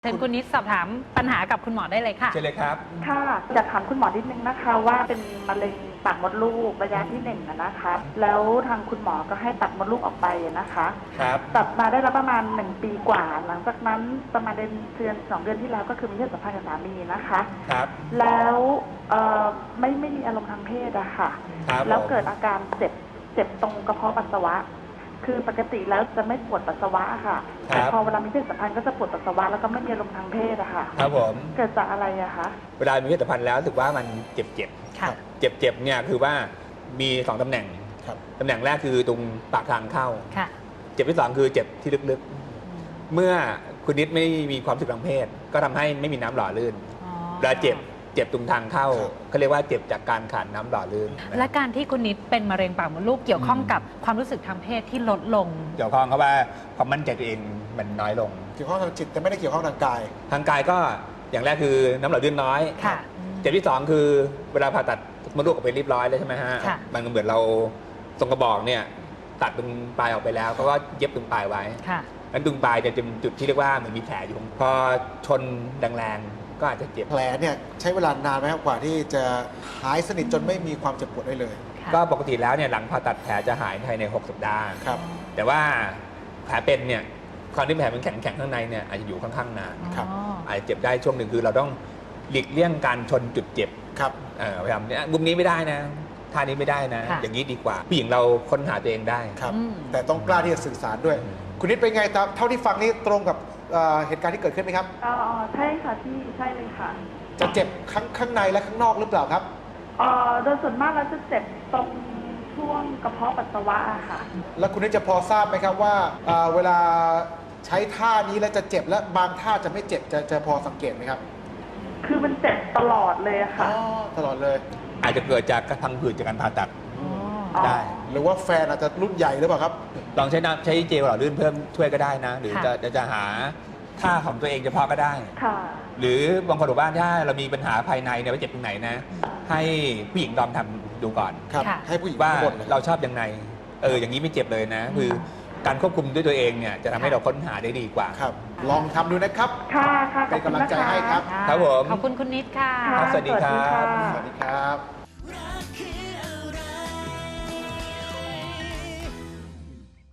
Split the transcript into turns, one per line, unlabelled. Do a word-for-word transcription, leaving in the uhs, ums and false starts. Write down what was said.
เชิญคุณนิดสอบถามปัญหากับคุณหมอได้เลยค่ะ
เชิญเลยครับ
ค่ะอยากถามคุณหมอนิดนึงนะคะว่าเป็นมะเร็งปากมดลูกระยะที่หนึ่งนะคะแล้วทางคุณหมอก็ให้ตัดมดลูกออกไปนะคะ
ครับ
ตัดมาได้แล้วประมาณหนึ่งปีกว่าหลังจากนั้นประมาณเดือนเดือนสองเดือนที่แล้วก็คือมีเพศสัมพันธ์กับสามีนะคะ
ครับ
แล้วเอ่อไม่ไม่มีอารมณ์ทางเพศอะค่ะแล้วเกิดอาการเจ็บเจ็บตรงกระเพาะปัสสาวะคือปกติแล้วจะไม่ปวดปัสสาวะค่ะแต่พอเวลามีเพศสัมพันธ์ก็จะปวดปัสสาวะแล้วก็ไม่มีอารมณ์ทางเพศอะค่ะ
ครับผม
เกิดจากอะไรอะคะ
เวลามีเพศสัมพันธ์แล้วรู้สึกว่ามันเจ็บเจ็บเจ็บเจ็บเนี่ยคือว่ามีสองตำแหน่งตำแหน่งแรกคือตรงปากทางเข้าเจ็บที่สองคือเจ็บที่ลึกๆเมื่อคุณนิดไม่มีความสุขทางเพศก็ทำให้ไม่มีน้ำหล่อลื่นเวลาเจ็บเจ็บตรงทางเข้าเขาเรียกว่าเจ็บจากการขาดน้ำหล่อลื่น
และการที่คุณนิดเป็นมะเร็งปากมดลูกเกี่ยวข้องกับความรู้สึกทางเพศที่ลดลง
เกี่ยวข้องเพราะว่าความมั่นใจตัวเองมันน้อยลง
เกี่ยวข้องทางจิตแต่ไม่ได้เกี่ยวข้องทางกาย
ทางกายก็อย่างแรกคือน้ำหล่อลื่นน้อยเจ็บที่สองคือเวลาผ่าตัดมดลูกออกไปเรียบร้อยแล้วใช่ไหมฮะมันเหมือนเราตรงกระบอกเนี่ยตัดตรงปลายออกไปแล้วเขาก็เย็บตรงปลายไว้นั้นตรงปลายจะเป็นจุดที่เรียกว่าเหมือนมีแผลอยู่พอชนแรงก็อาจจะเจ็บ
แผลเนี่ยใช้เวลานานไหมครับกว่าที่จะหายสนิทจนไม่มีความเจ็บปวดได้เลย
ก็ปกติแล้วเนี่ยหลังผ่าตัดแผลจะหายภายในหกสัปดาห์
ครับ
แต่ว่าแผลเป็นเนี่ยความที่แผลมันแข็งแข็งข้างในเนี่ยอาจจะอยู่ค่อนข้างนาน
ครับ
อาจจะเจ็บได้ช่วงหนึ่งคือเราต้องหลีกเลี่ยงการชนจุดเจ็บ
ครับ
พยายามเนี่ยมุมนี้ไม่ได้นะท่านี้ไม่ได้นะอย่างนี้ดีกว่าผู้หญิงเราค้นหาตัวเองได้
ครับแต่ต้องกล้าที่จะสื่อสารด้วยคุณนิดเป็นไงเท่าที่ฟังนี่ตรงกับเหตุการณ์ที่เกิดขึ้นไหมครับ
อ๋อใช่ค่ะที่ใช่เลยค่ะ
จะเจ็บข้างข้างในและข้างนอกหรือเปล่าครับ
อ๋อโดยส่วนมากแล้วจะเจ็บตรงช่วงกระเพาะปัสสาวะค่ะ
แล้วคุณนิดจะพอทราบไหมครับว่าเวลาใช้ท่านี้แล้วจะเจ็บและบางท่าจะไม่เจ็บจะจะพอสังเกตไหมครับ
คือมันเจ็บตลอดเลยค่ะ
ตลอดเลย
อาจจะเกิดจากกระพังผืดจากการผ่าตัดได้
หรือว่าแฟนอาจจะรุ่นใหญ่หรือเปล่าครับ
ลองใช้น้ำใช้เจลหล่อลื่นเพิ่มช่วยก็ได้นะหรือจะจะหาท่าของตัวเองเฉพาะก็ได้หรือบางคนบอกว่าถ้าเรามีปัญหาภายในเนี่ยว่าเจ็บตรงไหนนะให้ผู้หญิงลองทำดูก่อน
ให้ผู้หญิง
ว่าเราชอบยังไงเอออย่างนี้ไม่เจ็บเลยนะคือการควบคุมด้วยตัวเองเนี่ยจะทำให้เราค้นหาได้ดีกว่า
ครับลองทำดูนะครับ
ค่ะค่ะ
เป็นกำลังใจให้ครับ
ครับผม
ขอบคุณคุณนิดค่ะ
สวัสดีครับ
สวัสดีครับ